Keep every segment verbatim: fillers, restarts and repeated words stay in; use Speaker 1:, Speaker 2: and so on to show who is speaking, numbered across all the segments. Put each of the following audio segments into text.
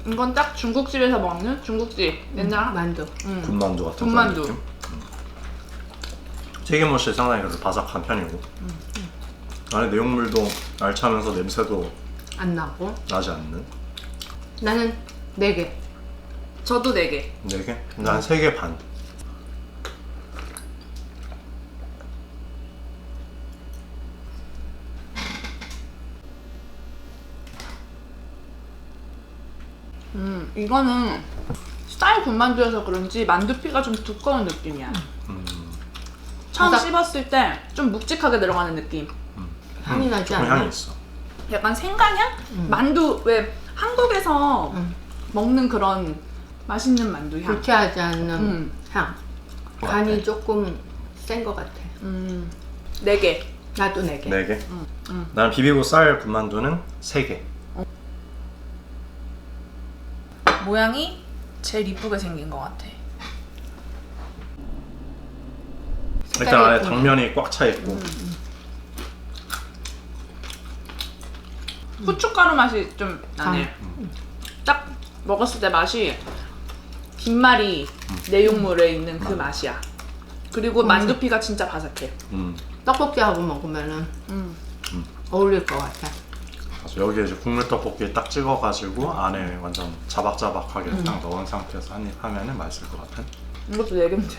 Speaker 1: 이건 딱 중국집에서 먹는 중국집 옛날
Speaker 2: 음, 만두.
Speaker 1: 음.
Speaker 3: 군만두 같은
Speaker 1: 군만두.
Speaker 3: 그런 느낌? 음. 튀김옷이 상당히 그래도 바삭한 편이고
Speaker 1: 음.
Speaker 3: 안에 내용물도 알차면서 냄새도
Speaker 2: 안 나고.
Speaker 3: 나지 않는
Speaker 2: 나는 네 개.
Speaker 1: 저도 네 개.
Speaker 3: 네 개? 난 세 개 반.
Speaker 1: 음, 이거는 쌀 군만두여서 그런지 만두피가 좀 두꺼운 느낌이야.
Speaker 3: 음,
Speaker 1: 처음
Speaker 2: 바삭.
Speaker 1: 씹었을 때 좀 묵직하게 들어가는 느낌.
Speaker 2: 향이 나지
Speaker 3: 조금
Speaker 2: 않아?
Speaker 3: 향이 있어.
Speaker 1: 약간 생강향?
Speaker 2: 음.
Speaker 1: 만두 왜 한국에서
Speaker 2: 음.
Speaker 1: 먹는 그런 맛있는 만두 향.
Speaker 2: 불쾌하지 않는
Speaker 1: 음.
Speaker 2: 향. 간이 조금 센 것 같아.
Speaker 1: 음, 네 개.
Speaker 2: 나도 네 개.
Speaker 3: 네 개?
Speaker 1: 음, 음.
Speaker 3: 난 비비고 쌀 군만두는 세 개.
Speaker 1: 모양이 제일 이쁘게 생긴 것 같아.
Speaker 3: 일단 안에
Speaker 2: 예쁘네.
Speaker 3: 당면이 꽉 차 있고
Speaker 1: 후춧가루 맛이 좀 나네.
Speaker 3: 음.
Speaker 1: 딱 먹었을 때 맛이 김말이 내용물에 있는 그 맛이야. 그리고 만두피가 진짜 바삭해.
Speaker 3: 음.
Speaker 2: 떡볶이하고 먹으면은
Speaker 1: 음.
Speaker 2: 어울릴 것 같아.
Speaker 3: 그래서 여기에 이제 국물 떡볶이 딱 찍어가지고 안에 완전 자박자박하게 딱 넣은 상태에서 한 입 하면은 맛있을 것 같은.
Speaker 1: 이것도 네 개인데요.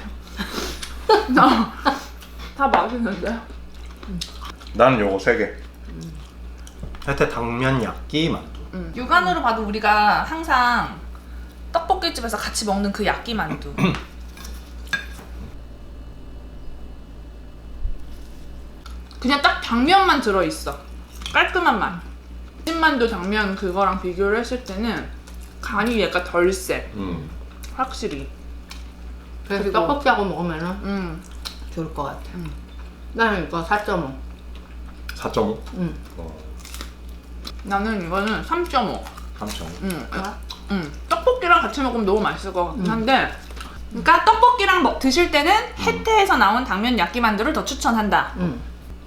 Speaker 1: 다 맛있는데요?
Speaker 3: 나는 요거 세 개. 혜태 당면 야끼 만두.
Speaker 1: 음. 육안으로 봐도 우리가 항상 떡볶이집에서 같이 먹는 그 야끼 만두. 그냥 딱 당면만 들어있어. 깔끔한 맛. 찐만두 당면 그거랑 비교를 했을 때는 간이 약간 덜 세.
Speaker 3: 음.
Speaker 1: 확실히.
Speaker 2: 그래서
Speaker 1: 그리고-
Speaker 2: 떡볶이하고 먹으면은
Speaker 1: 음.
Speaker 2: 좋을 것 같아.
Speaker 1: 음.
Speaker 2: 나는 이거 사 점 오.
Speaker 3: 사 점 오.
Speaker 2: 응.
Speaker 3: 어,
Speaker 1: 나는 이거는 삼 점 오.
Speaker 3: 삼 점 오.
Speaker 1: 음.
Speaker 2: 좋아?
Speaker 1: 음. 떡볶이랑 같이 먹으면 너무 맛있을 것 같긴 한데 그러니까 떡볶이랑 먹, 드실 때는 혜태에서 나온 당면 야끼만두를 더 추천한다.
Speaker 2: 응.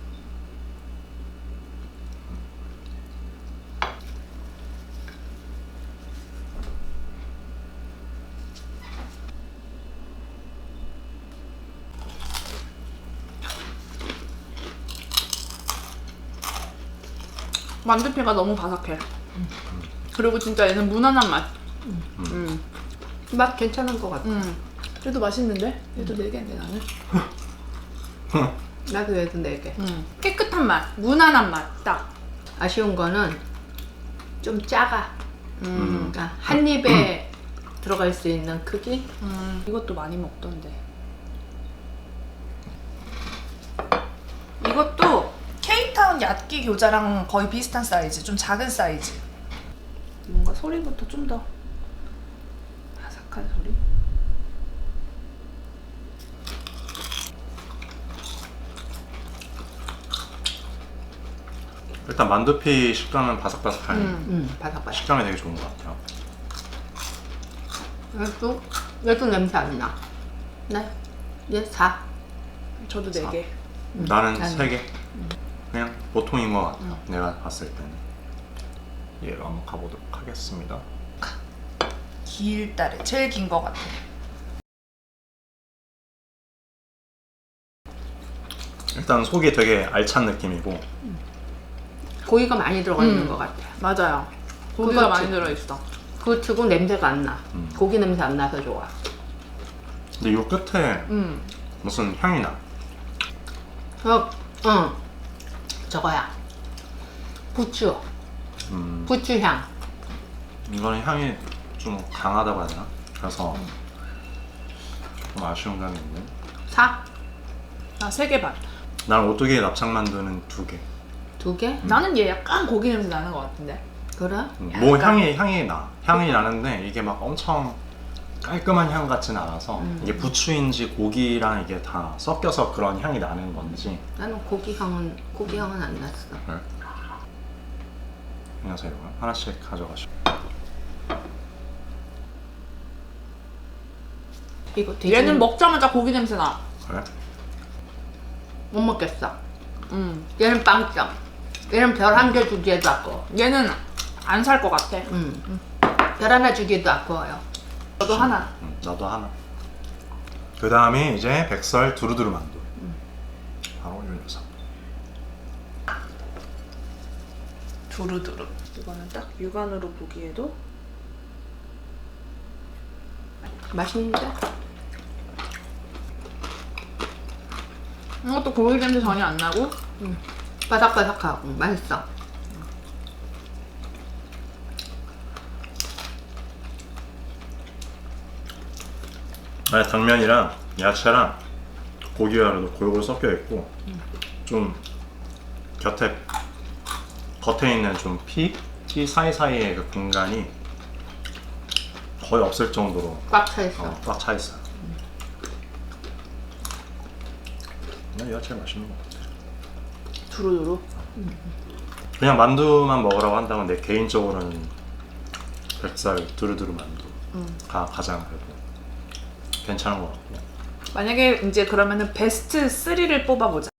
Speaker 1: 만두피가 너무 바삭해. 그리고 진짜 얘는 무난한 맛. 음.
Speaker 2: 맛 괜찮은 것 같아.
Speaker 1: 음. 얘도 맛있는데? 얘도 네 개인데 나는.
Speaker 2: 나도 얘도 네 개.
Speaker 1: 음. 깨끗한 맛, 무난한 맛 딱.
Speaker 2: 아쉬운 거는 좀 작아.
Speaker 1: 음.
Speaker 2: 그러니까 한 입에 들어갈 수 있는 크기?
Speaker 1: 음. 이것도 많이 먹던데. 이것도 케이타운 야끼 교자랑 거의 비슷한 사이즈, 좀 작은 사이즈. 뭔가 소리부터 좀 더 바삭한 소리.
Speaker 3: 일단 만두피 식감은 바삭바삭하니
Speaker 1: 음.
Speaker 2: 응, 바삭바삭.
Speaker 3: 식감이 되게 좋은 것 같아요.
Speaker 2: 얘도, 얘도 냄새 안 나. 네? 얘 사.
Speaker 1: 저도 네 개.
Speaker 3: 나는
Speaker 2: 나는-
Speaker 3: 세 개. 그냥 보통인 것 같아. 내가 봤을 때는. 얘로 한번 가보도록 하겠습니다.
Speaker 1: 길다래, 제일 긴 것 같아.
Speaker 3: 일단 속이 되게 알찬 느낌이고
Speaker 2: 고기가 많이 들어가 있는
Speaker 1: 음.
Speaker 2: 것 같아.
Speaker 1: 맞아요. 고기가
Speaker 2: 그거
Speaker 1: 많이
Speaker 2: 지-
Speaker 1: 들어있어.
Speaker 2: 그거 치고 냄새가 안 나.
Speaker 3: 음.
Speaker 2: 고기 냄새 안 나서 좋아.
Speaker 3: 근데 요 끝에
Speaker 1: 음.
Speaker 3: 무슨 향이 나.
Speaker 2: 어, 응. 저거야. 부추.
Speaker 3: 음,
Speaker 2: 부추 향.
Speaker 3: 이거는 향이 좀 강하다고 해야 되나? 그래서 좀 아쉬운 감이 있는.
Speaker 2: 사?
Speaker 1: 나 세 개 반.
Speaker 3: 난 오뚜기 납작만두는 두 개.
Speaker 2: 두 개?
Speaker 1: 나는 얘 약간 고기 냄새 나는 것 같은데.
Speaker 2: 그래?
Speaker 3: 음, 뭐
Speaker 1: 약간.
Speaker 3: 향이 향이 나. 향이 나는데 이게 막 엄청 깔끔한 향 같지는 않아서 이게 부추인지 고기랑 이게 다 섞여서 그런 향이 나는 건지.
Speaker 2: 나는 고기 향은, 고기 향은 안 났어.
Speaker 3: 네. 안녕하세요. 하나씩 가져가시고.
Speaker 2: 이거 되게
Speaker 1: 얘는 먹자마자 고기 냄새 나.
Speaker 3: 그래?
Speaker 2: 못 먹겠어.
Speaker 1: 음.
Speaker 2: 얘는 빵점. 얘는 별 한 개 주기에도 아까워.
Speaker 1: 얘는 안 살 것 같아.
Speaker 2: 음. 별 하나 주기도 아까워요.
Speaker 1: 저도 하나.
Speaker 3: 음, 나도 하나. 그 다음에 이제 백설 두루두루 만두. 바로 이 녀석.
Speaker 1: 두루두루. 이거는 딱 육안으로 보기에도
Speaker 2: 맛있는데?
Speaker 1: 이것도 고기 냄새 전혀 안 나고
Speaker 2: 바삭바삭하고 맛있어.
Speaker 3: 아니, 당면이랑 야채랑 고기가 그래도 골고루 섞여 있고 좀 곁에 겉에 있는 좀 피? 피 사이사이의 그 공간이 거의 없을 정도로
Speaker 2: 꽉 차 있어.
Speaker 3: 어, 꽉 차 있어요. 난 야채 맛있는 것 같아.
Speaker 1: 두루두루.
Speaker 3: 그냥 만두만 먹으라고 한다면 내 개인적으로는 백살 두루두루 만두가 가장 그래도 괜찮은 것 같고.
Speaker 1: 만약에 이제 그러면은 베스트 쓰리를 뽑아보자.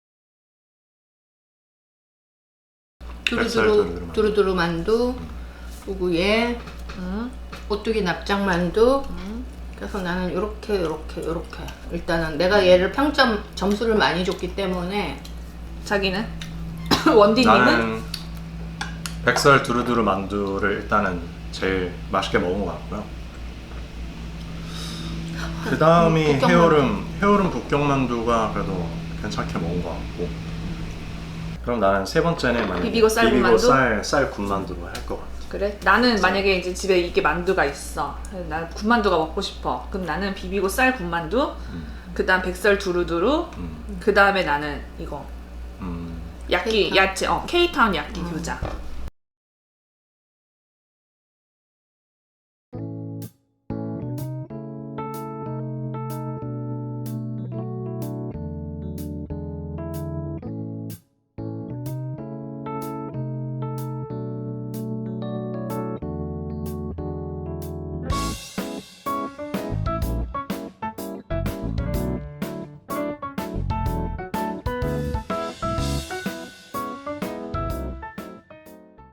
Speaker 3: 백설
Speaker 2: 두루두루
Speaker 3: 두루두루 만두.
Speaker 2: 두루두루 만두, 그리고 얘
Speaker 1: 음.
Speaker 2: 오뚜기 납작 만두. 그래서 나는 이렇게 이렇게 이렇게 일단은 내가 얘를 평점 점수를 많이 줬기 때문에
Speaker 1: 자기는? 원디님은?
Speaker 3: 나는 백설 두루두루 만두를 일단은 제일 맛있게 먹은 것 같고요. 그 다음이
Speaker 2: 북경만두.
Speaker 3: 해오름 해오름 북경만두가 그래도 괜찮게 먹은 것 같고. 그럼 나는 세 번째는 만약에
Speaker 1: 비비고 쌀
Speaker 3: 비비고
Speaker 1: 군만두?
Speaker 3: 쌀, 쌀 군만두로 할 것 같아.
Speaker 1: 그래? 나는 만약에 이제 집에 이게 만두가 있어. 나 군만두가 먹고 싶어. 그럼 나는 비비고 쌀 군만두. 그 다음 백설 두루두루.
Speaker 3: 음,
Speaker 1: 그 다음에 나는 이거
Speaker 3: 음.
Speaker 1: 야끼
Speaker 2: 케이타운?
Speaker 1: 야채 어 케이타운 야끼 교자.